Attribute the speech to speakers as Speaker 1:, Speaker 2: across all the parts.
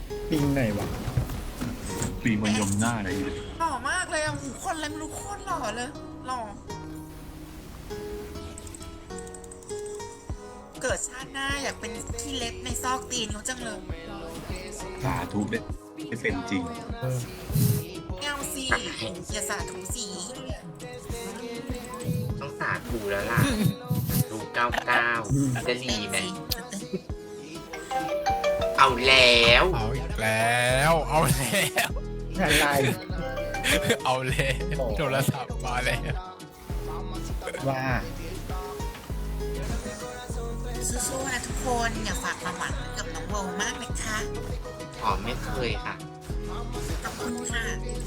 Speaker 1: ปิงไหนวะ
Speaker 2: ปีมันยมหน้าอะไรอยู่
Speaker 3: หล่อมากเลยอ่ะหูคนอะไรไม่รู้โคตรหล่อเลยหล่อเกิดชาติหน้าอยากเป็นขี้เล็บในซอกตีนเขาจังเลย
Speaker 2: สาธุได้เป็นจริง
Speaker 3: ไม่เอาสิอย่าสาธุสี
Speaker 4: ต้องสาธุแล้วล่ะดู99จะดีไหมเอาแล้ว
Speaker 5: เอาอีกแล้วเอาแล้ว
Speaker 1: อะไร
Speaker 5: เอาแล้วโทรศัพท์มาแล้ว
Speaker 1: ว่า
Speaker 3: สู้ๆนะทุกคนอย่าฝากความหวังไว้กับน้องโวมากเลยค่ะ
Speaker 4: หอมไม่เคยค่ะ
Speaker 3: ขอบคุณค่ะ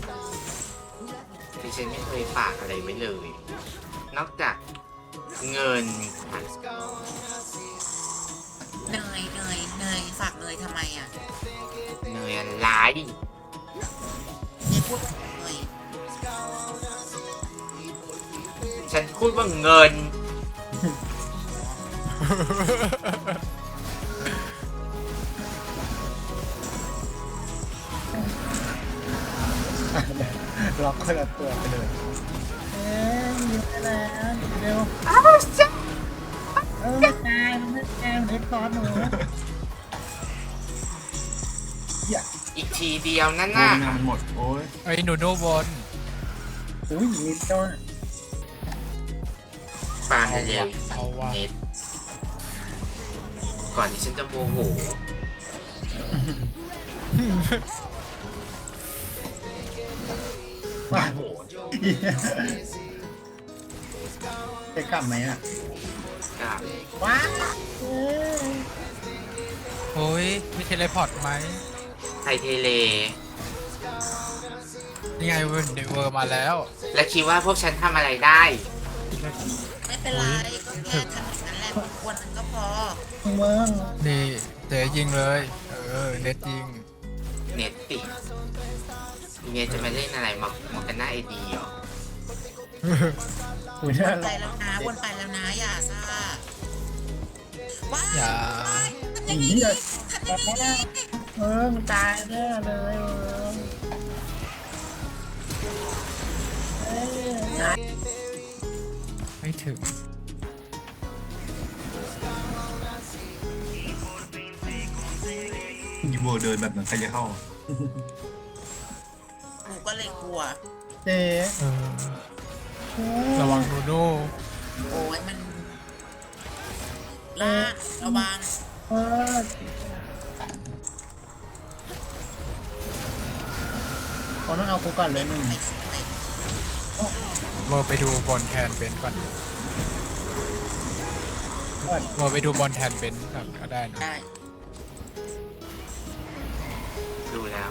Speaker 4: ดิฉันไม่เคยฝากอะไรไว้เลย นอกจากเงินค่ะ
Speaker 3: เนยฝากเนยทำไมอ่ะ
Speaker 4: เนยอะไร
Speaker 3: เนี่ยพูดถึงเนย
Speaker 4: ฉันพูดว่าเงิน
Speaker 1: ล็อกคนละตัวไปเลยอยู่ไปแล้วเร็วไม่ตายมันไม่ตายมันเอ็กซ์ซอสหนูอย่า
Speaker 4: อีกทีเดียวนั่น
Speaker 2: โอ้
Speaker 4: น่ะ
Speaker 2: ยงานหมด โอ้ย
Speaker 5: ไอ้หนูโนบน
Speaker 1: อุ้ยนิดเดียว
Speaker 4: ปาเร็ว
Speaker 5: เอาว่า
Speaker 4: เน็ตก่อนที่ฉันจะโมโห
Speaker 1: ว้าจะกลับไหมอ่ะ
Speaker 4: กับ
Speaker 1: ว้า
Speaker 5: โอ้ยมีเทเลพอร์ตไหม
Speaker 4: ไทยเทเล
Speaker 5: นี่ไงเวอร์มาแล้ว
Speaker 4: และคิดว่าพวกฉันทำอะไรได้
Speaker 3: ไม่เป็นไรก็แค่ทำอย่างนั้นแหละควรมันก็พอ
Speaker 1: เมือง
Speaker 5: นี่เจ๊ยิงเลยเน็ตยิง
Speaker 4: เน็ตติเมียจะมาเล่นอะไรมากันหน้าไอดีเหรอ
Speaker 1: อุ้ยน่า
Speaker 3: ไป
Speaker 1: รัก
Speaker 3: แล้วนะวนไปแล้วนะอย่าซ่าว้าย
Speaker 5: อย่า
Speaker 3: ทำอย่างนี้ทำอย่างนี้
Speaker 1: เมืองตายแน่เลย
Speaker 5: ไม่ถึง
Speaker 2: ยูโวเดินแบบนั้นใครจะเข้า
Speaker 3: หนูก็เลยกลัว
Speaker 1: เจ๊
Speaker 5: ระวังหนูโน่
Speaker 3: โอ้ยมันลากระวัง
Speaker 1: เออเขาต้องเอากูก่อนเลยหนึ่ง
Speaker 3: ไปสุดเลย
Speaker 5: เวอร์ไปดูบอลแทนเบนก่อนเวอร์ไปดูบอลแทนเบนก่อนก็ได้นะ
Speaker 3: ได้
Speaker 4: ดูแล้ว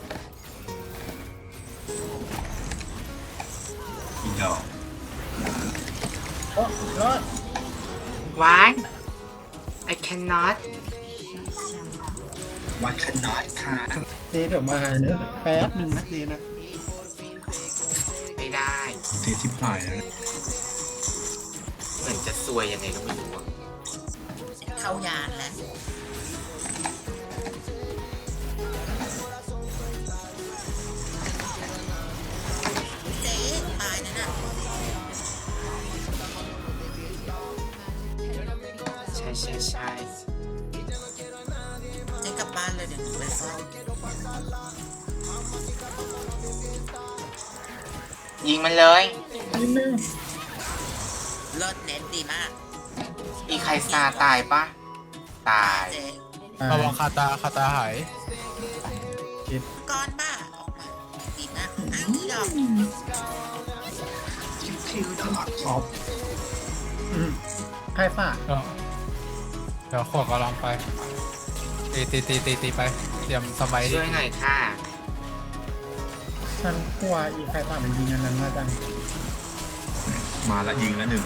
Speaker 2: อีดอก
Speaker 1: โอ้รอด
Speaker 4: Why I cannot
Speaker 2: วัดขนาดค่ะ
Speaker 1: เจ๊เดี๋ยวมาเนอะแป๊บหนึ่งนะเจ๊นะ
Speaker 4: ไม่ได้
Speaker 2: เททิพหายแล้ว
Speaker 4: เหมือนจะซวยยังไงก็ไม่รู้อะ
Speaker 3: เข้ายานแล้วเจ๊ตายนั่นน่ะ
Speaker 4: ใช่ใช่ใช่
Speaker 3: เจ๊กลับบ้านเลยเดี๋ยวหนูไปเฝ้า
Speaker 4: ยิงมันเลย
Speaker 1: นิดนึง
Speaker 3: เลิศเน็ตดีมาก
Speaker 4: อีใครซาตายปะตาย
Speaker 3: เจ๊
Speaker 5: ระวังคาตาหาย
Speaker 3: ก้อนบ้าออกมาดีมากอ้าวที่ดอก
Speaker 2: คิวตลอด
Speaker 1: ออฟใครฝ่า
Speaker 5: เดี๋ยวขวดกำลังไปตีไปเตรียมสมัย
Speaker 4: ช่วยหน่อยค่ะ
Speaker 1: ฉันกลัวอีใครฝ่ามันยิงอันนั้นมาจัง
Speaker 2: มาละยิงละหนึ่ง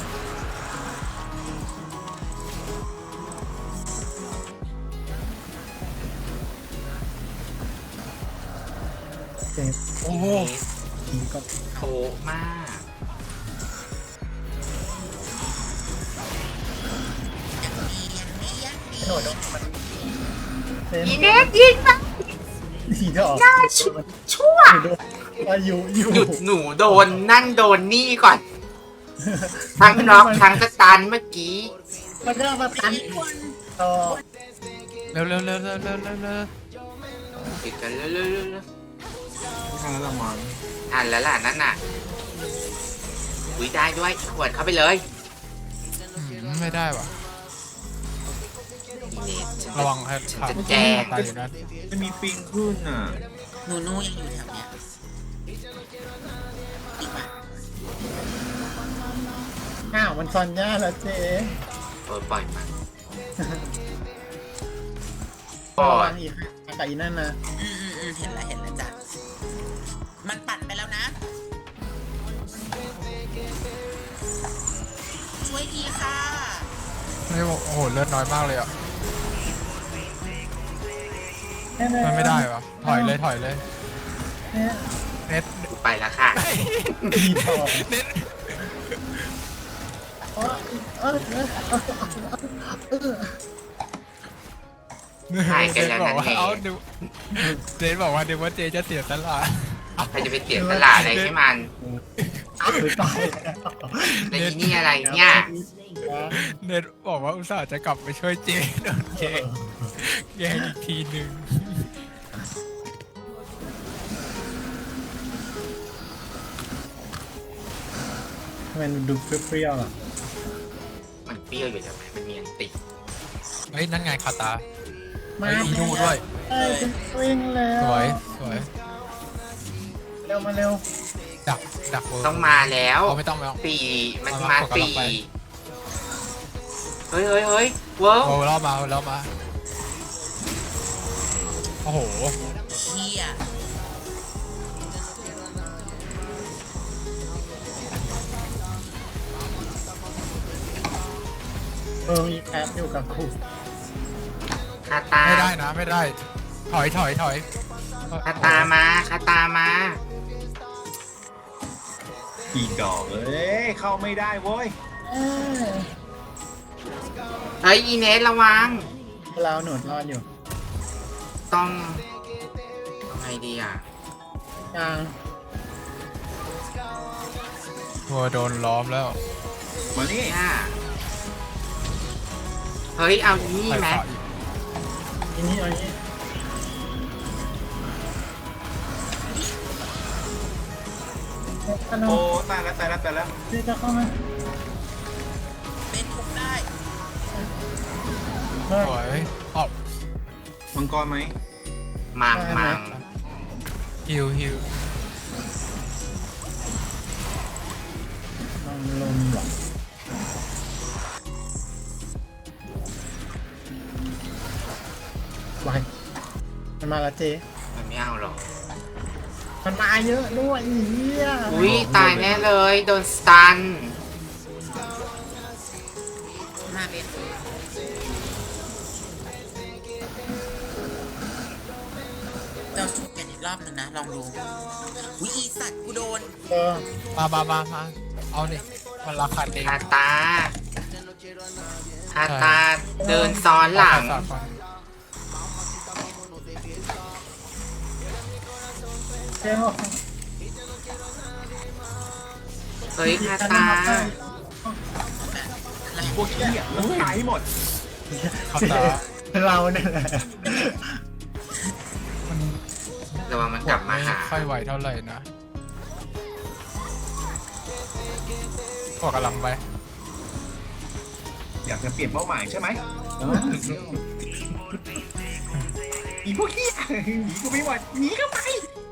Speaker 1: เจ๊
Speaker 5: โอ้โห
Speaker 1: ยิงก็
Speaker 4: โคมาก
Speaker 3: ยังมี
Speaker 1: โดดลงมันเจ๊
Speaker 4: อีเน็ตยิงนะ
Speaker 1: สีดอก
Speaker 4: ชั่ว
Speaker 1: อยู่
Speaker 4: หยุดหนูโดนนั่นโดนนี่ก่อน ทั้งน็อกทั้งสตันเมื่อกี้
Speaker 1: มันก็มาตันต่อ
Speaker 5: เร็วเร็วเร็วเร็วเร็วเร็วเร็ว
Speaker 4: ติดกันเรื่อย
Speaker 2: ไม่ทันแล้วละมั้ง
Speaker 4: ๆอ่านแล้วล่ะนั่นน่ะอุ้ยได้ด้วยขวดเข้าไปเลย
Speaker 5: ไม่ได้ว่ะ
Speaker 4: อีเนสฉัน
Speaker 5: ระวังให้
Speaker 4: ฉัน
Speaker 5: ขาด
Speaker 4: จะแจ้ง
Speaker 5: ตายอยู่นั่น
Speaker 2: มันมีปิงขึ้นอ่ะ
Speaker 3: หนูนูยังอยู่แถวเนี้ยอีกปะ
Speaker 1: อ้าวมันซอนย่าแล้วเจ๊
Speaker 4: ปล่อยมัน
Speaker 1: ระวังอีกกับอีนั่นนะ
Speaker 3: เห็นแล้วจ้ะมันปั่นไปแล้วนะช่วยทีค่ะ
Speaker 5: ไม่บอกโอ้โหเลือดน้อยมากเลยอ่ะมันไม่ได้วะถอยเลยถอยเลยเน็ต
Speaker 4: กูไปแล้วค่ะ
Speaker 1: ดีทอง
Speaker 5: เน็ต
Speaker 4: หายกันแล้วนั่นเอง
Speaker 5: เอาดูเน็ตบอกว่าเดี๋ยวว่าเจจะเสียตลาด
Speaker 4: ใครจะไปเสียตลาดอะไรให้มัน
Speaker 1: ไม่ตาย
Speaker 4: แล้วอีนี่อะไรเนี่ย
Speaker 5: เน็ตบอกว่าอุตส่าห์จะกลับไปช่วยเจโดนแกงอีกทีหนึ่ง
Speaker 1: ทำไมมันดูเปรี้ยวๆอ่ะ
Speaker 4: มันเปรี้ยวอยู่ทำไมมันมีอันติด
Speaker 5: เฮ้ยนั่นไงคาตา
Speaker 1: มา
Speaker 5: ไอ้อีนูด้วย
Speaker 1: เอ้ยวิ่งแล้ว
Speaker 5: สวยสวย
Speaker 1: เร็วมาเร็ว
Speaker 5: ดักเวิร์
Speaker 4: ต้องมาแล้ว
Speaker 5: เอาไม่ต้องไม่ต้อง
Speaker 4: ปีมัน
Speaker 5: เอา
Speaker 4: มา
Speaker 5: มา
Speaker 4: ปี
Speaker 5: กดกำลังไป
Speaker 4: เฮ้ยเฮ้ยเฮ้ยเวิร์ก
Speaker 5: โอ้แล้วมาแล้วมาโอ้โห
Speaker 3: เฮีย
Speaker 1: มีแอปอยู่กับครู
Speaker 4: คาตา
Speaker 5: ไม่ได้นะไม่ได้ถอยถอยถอย
Speaker 4: คาตามาคาตามา
Speaker 2: อีดอกเอ้ยเข้าไม่ได้เว้ย
Speaker 4: เฮ้ยอีเนสระวัง
Speaker 1: เราหนุนรอดอยู่
Speaker 4: ต้องไงดีอ่ะ
Speaker 1: กลาง
Speaker 5: ตัวโดนล้อมแล้ว
Speaker 2: มานี่
Speaker 4: เนี่ยเฮ้ยเอาอีนี่ไหม
Speaker 1: ทีนี้เอานี้ขน
Speaker 2: โอ้
Speaker 1: ม
Speaker 2: ตายแล้วตายแล้วตายแล้ว
Speaker 1: นี่จะเข้ามา
Speaker 3: เป็นทุกได้
Speaker 1: เฮ้ย
Speaker 5: สวยออก
Speaker 2: มังกรไหม
Speaker 4: มังมัง
Speaker 5: ฮิวฮิว
Speaker 1: ลมลมหรอไปมันมาแล้วเจ๊
Speaker 4: มันไม่เอาหรอก
Speaker 1: มันมาเยอะด้วยอีเหี้ย
Speaker 4: อุ้ยตายแน่เลยโดนสตัน
Speaker 3: มาเป็นเราชุบกันอีกรอบหนึ่งนะ ลองดูอุ้ยอีสัตว์กูโดน
Speaker 5: มาเอานี่มันราคาเอง
Speaker 4: คาตาคาตาเดินซ้อนหลัง
Speaker 1: เจ๊บอก
Speaker 4: เฮ้ยคาตา
Speaker 2: พวกขี้อ่ะแล้วตายให้หมด
Speaker 5: คาตา
Speaker 1: เราเนี่ยแหละ
Speaker 5: มัน
Speaker 4: ระวังมันกลับมาหา
Speaker 5: ไค่อยไหวเท่าไหร่นะขอกำลังไป
Speaker 2: อยากจะเปลี่ยนเป้าหมายใช่ไหมอีพวกขี้อ่ะหนีกูไม่ไหวหนีเข้าไป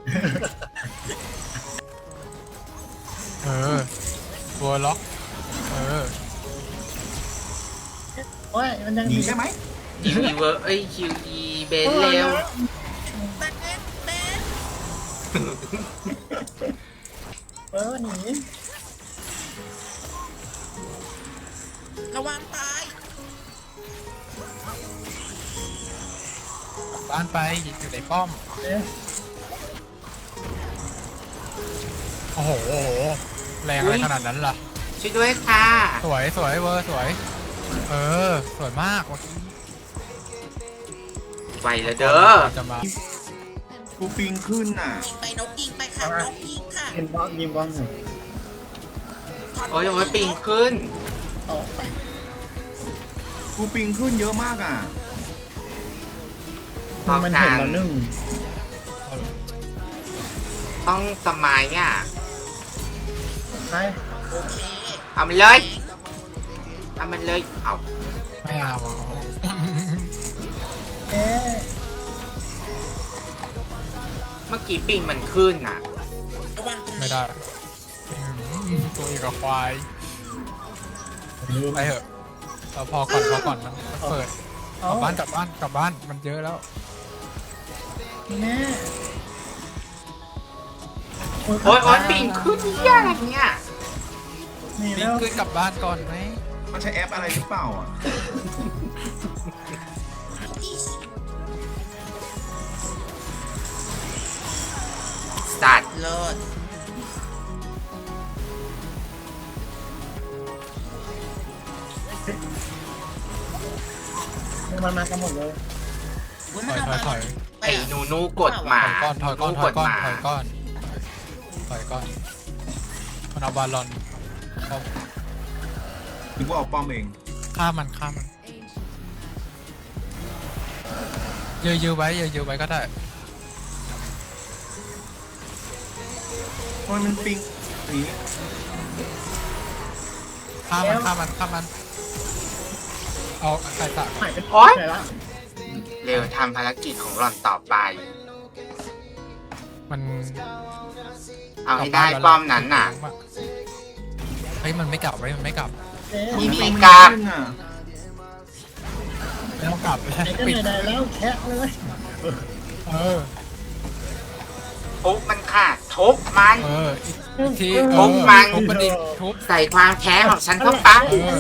Speaker 5: ตัวล็อก
Speaker 1: โอ้ยมันยัง
Speaker 2: หนีใช่ไหม
Speaker 4: คิวอีเวอร์เอ้ยคิวอีเบนเร็ว
Speaker 3: เป็นเป็น
Speaker 1: หนี
Speaker 3: ระวังตาย
Speaker 5: บ้านไปอยู่ในป้อม
Speaker 1: เจ๊
Speaker 5: โอ้โหแรงอะไรขนาดนั้นล่ะ
Speaker 4: ช่วยด้วยค่ะ
Speaker 5: สวยสวยเวอร์สวยสวยมากเมื่อกี้
Speaker 4: ไปแล้วเด้อ
Speaker 5: จะมา
Speaker 2: กูปิงขึ้นน่ะ
Speaker 3: ยิงไปนกยิงไปค่ะนกยิงค่ะ
Speaker 1: ยิงบอลยิงบอลหน่อย
Speaker 4: โอ้ยโอ้ยปิงขึ้น
Speaker 1: เอาไป
Speaker 2: กูปิงขึ้นเยอะมากอ่ะ
Speaker 1: มันเห็นเรานึ่ง
Speaker 4: ต้องสมัยอ่ะ
Speaker 1: ใช่
Speaker 3: โอเค
Speaker 4: เอามันเลยเอามันเลยเอา
Speaker 5: ไม่เอา
Speaker 1: เอ๊ะ
Speaker 4: เมื่อกี้ปิงมันขึ้นอ่ะ
Speaker 3: ระวังตรง
Speaker 5: ไม่
Speaker 3: นี้
Speaker 5: ได้ตัวเองกับควายไปเถอะเราพอก่อนมันเปิดก
Speaker 1: เอา
Speaker 5: ลับบ้านกลับบ้านมันเยอะแล้ว
Speaker 1: แม่
Speaker 4: โอ้ยโอ้ยปิงขึ้นเหี้ยอะไรเนี่ย
Speaker 1: นี่
Speaker 5: นี่
Speaker 1: แล้ว
Speaker 5: คือกลับบ้านก่อนไหม
Speaker 2: มันใช้แอปอะไรหรือเปล่าอ่ะ
Speaker 4: สัตว์
Speaker 3: เลิศ
Speaker 1: มันมากันหมดเลย
Speaker 3: อุ๊ย
Speaker 5: ถ
Speaker 3: มัน
Speaker 5: อย
Speaker 3: เอา
Speaker 5: ถอย
Speaker 3: ไป
Speaker 4: ไอ้นูนูกดหมา
Speaker 5: ถอยก้อน
Speaker 4: นูกดหมา
Speaker 5: มันเอาบาลอนเอา
Speaker 2: นึกว่าเอาป้อมเอง
Speaker 5: ฆ่ามันยื้อไว้ก็ได้
Speaker 2: ทำไมมันปิงนี้
Speaker 5: ฆ่ามันเอาใครตะ
Speaker 1: หายไป
Speaker 4: โอ๊ย
Speaker 1: ไหนละ
Speaker 4: เร็วทำภารกิจของหล่อนต่อไป
Speaker 5: มัน
Speaker 4: เอาให้ได้ป้อมนั้นน่ะ
Speaker 5: เฮ้ยมันไม่กลับ
Speaker 1: เอ๊ะ
Speaker 4: มี
Speaker 2: ปิง
Speaker 4: กราบ
Speaker 2: ขึ้นน่ะ
Speaker 5: ไม่ต้องกลับไม่ใช่
Speaker 1: ไหนก็
Speaker 5: ปิด
Speaker 1: ไหนๆแล้วแคะเลย
Speaker 5: เออ
Speaker 4: ทุบมันค่ะทุบมัน
Speaker 5: อีกที
Speaker 4: ทุบมัน
Speaker 5: ทุบมันอีกทุบ
Speaker 4: ใส่ความแค้นของฉันเข้าไป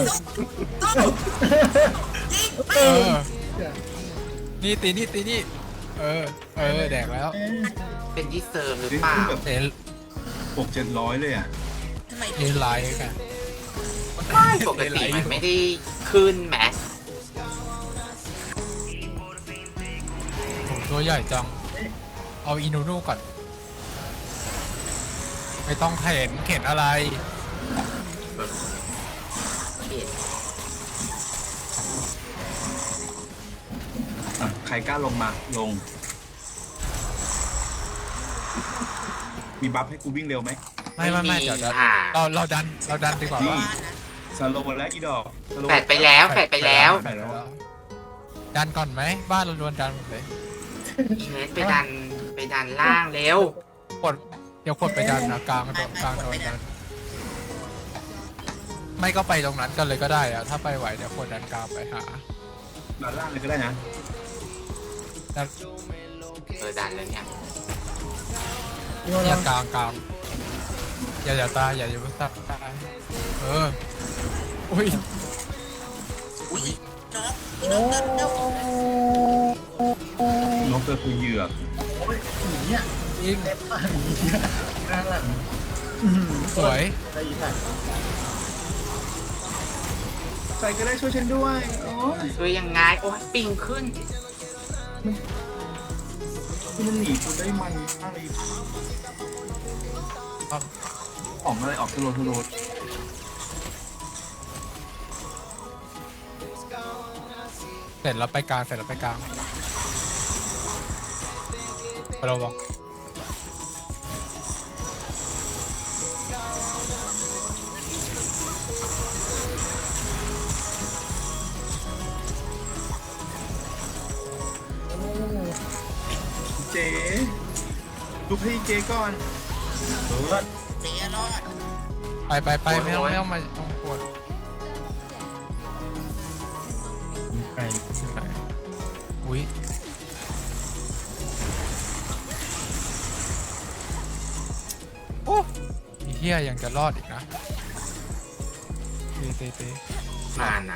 Speaker 5: เออนี่ตีนี่แดกแล้ว
Speaker 1: เอ๊ะ
Speaker 4: เป็นที่เซิร์ฟหรือ
Speaker 2: ปิง
Speaker 4: เปล่า
Speaker 2: ขึ้นแบบ
Speaker 5: เอ็น
Speaker 2: 600-700เลยอ่ะ
Speaker 3: ทำไม
Speaker 5: เอ็นไลน์กัน
Speaker 4: ไม่ปกติมันไม่ได้ขึ้นแหม
Speaker 5: โหตัวใหญ่จัง เอาอินูนูก่อน ไม่ต้องเข็นอะไร
Speaker 2: อ่ะใครกล้าลงมาลง มีบัฟให้กูวิ่งเร็วไหม
Speaker 5: ไม่เดี๋ยวเราดันดีกว่า
Speaker 2: นี่
Speaker 5: ว่า
Speaker 2: สโลว์แล้วอีดอกสโลว์
Speaker 4: แปดไปแล้วแปดไปแล้ว
Speaker 5: ดันก่อนไหมบ้านเราล้วนดันหมดเลย
Speaker 4: อีเนสไปดันล่างเร็ว
Speaker 5: เดี๋ยวกดไปดันนะกลางโดนดันไม่ก็ไปตรงนั้นกันเลยก็ได้อะถ้าไปไหวเดี๋ยวกดดันกลางไปหา
Speaker 2: ด้านล่างเลยก็ได้นะ
Speaker 5: ดัน
Speaker 4: ดันแล้วเนี่ย
Speaker 5: อย่ากลางอย่าตายอย่าตายอุ้ย
Speaker 3: อุ้ยนก
Speaker 1: โอ้
Speaker 3: เร็วน
Speaker 2: กคือเหยื่อ
Speaker 1: โอ้ยหนีอ่ะ
Speaker 5: ยิง
Speaker 1: เล็บอ่ะหนีอ่ะนั่นแหละ
Speaker 5: สวย
Speaker 1: ได้อีกสัตว์
Speaker 2: ใครก็ได้ช่วยฉันด้วยโอ้ย
Speaker 4: ช่วยยังไงโอ้ยปิงขึ้น
Speaker 2: มันหนีกูได้มันอะไรของอะไรออกทะโลทะโล
Speaker 5: เสร็จแล้วไปกลางเราบอก
Speaker 2: เจ๊ดูพี่เจ๊ก่อน
Speaker 3: เสียรอด
Speaker 5: ไปไม่ต้องมาต้องปวด
Speaker 1: ไก่
Speaker 5: อุ้ยโอ้อีเหี้ยยังจะรอดอีกนะตี
Speaker 4: มานะ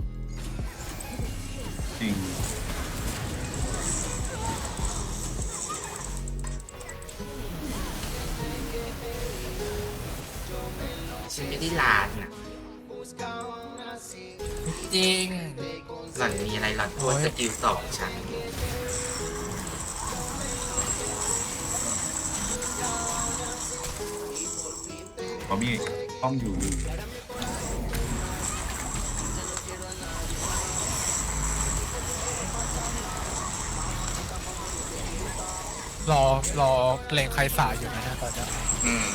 Speaker 2: จริง
Speaker 4: ฉันไม่ได้ลานนะ
Speaker 5: จริง
Speaker 4: หล่อนมีอะไรหล่อนโพสต์สกิลสองฉัน
Speaker 2: พอมีป้อมอยู่
Speaker 5: รอเลงใครสายอยู่นะเนี่ยตอนเนี้ย
Speaker 4: อืม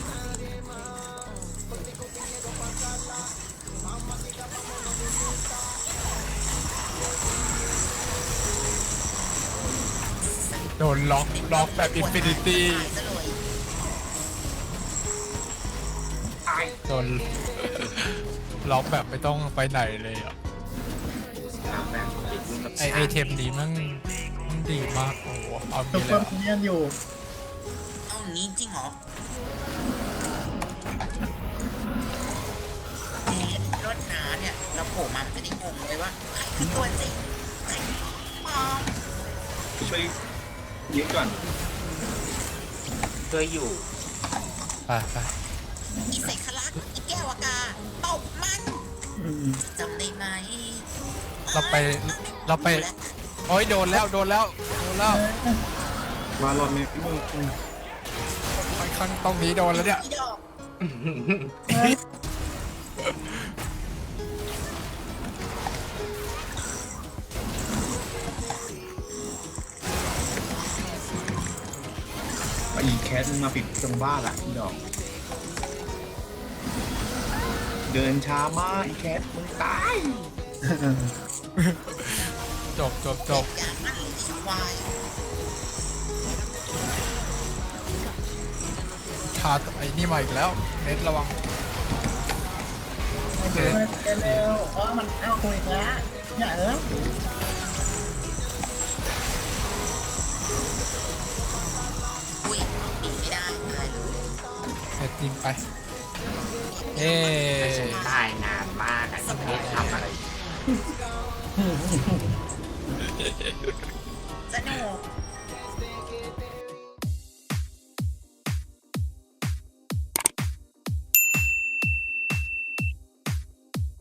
Speaker 5: โดนล็อกแบบอินฟินิตี้
Speaker 3: ตายซะเลย
Speaker 5: โดนล็อกแบบไม่ต้องไปไหนเลยอ่ะ
Speaker 4: แล้วแบบไปยุ่งกับ
Speaker 5: ไอเทมนี้มันดีมากโอ้โหเอา
Speaker 1: ซุ
Speaker 5: มี
Speaker 1: ป
Speaker 5: เล
Speaker 1: เปอย ร์
Speaker 5: อะ
Speaker 1: พิเนียนอยู่
Speaker 3: เอาอย่างนี้จริงเหรอรถน้าเนี่ยเราโผล่มามันจะได้งงเลยว่าใครคือตัวจริงใครมอง
Speaker 2: ไปช่วยยึดก่อน
Speaker 4: ช่วยอยู่
Speaker 5: ไป
Speaker 3: อีเสกลักษณ์อีแก้วอากาตบมันจำได้ไหม
Speaker 5: เราไปโอ้ยโดนแล้ว
Speaker 2: มารอนเมย์มึง
Speaker 5: ค่อนข้างตรงนี้โดนแล้วเนี่ย
Speaker 3: อีดอก
Speaker 2: อีแคทมาปิดตรงบ้านละอีดอก เดินช้ามากอีแคทมึงตาย
Speaker 5: จบ
Speaker 3: อย่างนั้นเลยอีควาย
Speaker 5: ชาไอ้นี่มาอีกแล้วเน็ตระวัง
Speaker 1: เร็วมันเอาคุยแล้วอย่า
Speaker 3: อ
Speaker 1: เออุ
Speaker 3: ้ยปีไม่ได้ตายเลย
Speaker 5: เน็ตยิงไปเอ๊
Speaker 4: ตายนานมากอ่ะไม่ได้ทำอะไร